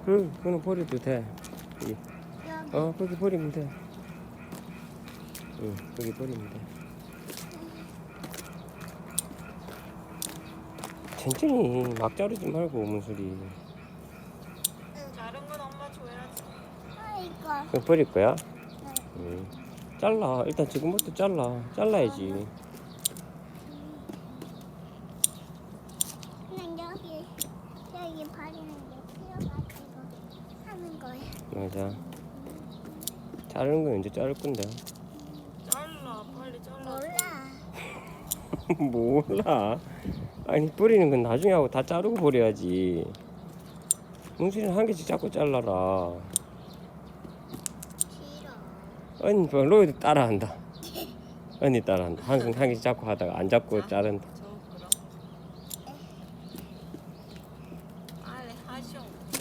응, 그거는 버려도 돼. 여기. 여기. 거기 버리면 돼. 응, 거기 버리면 돼. 천천히 막 자르지 말고 문소리. 다른 건 엄마 줘야지. 이거. 그거 버릴 거야? 네. 응. 잘라. 일단 지금부터 잘라야지. 그냥 여기 버리는 게 필요가지고 하는 거야. 맞아. 자르는 건 언제 자를 건데? 잘라, 빨리 잘라. 몰라. 몰라. 아니 버리는 건 나중에 하고 다 자르고 버려야지. 문수리는 한 개씩 자꾸 잘라라. 싫어. 언니 뭐 로이도 따라한다. 언니 따라한다. 항상 한 개씩 자꾸 하다가 안 잡고 자른다. 저 그럼. 빨리 하쇼.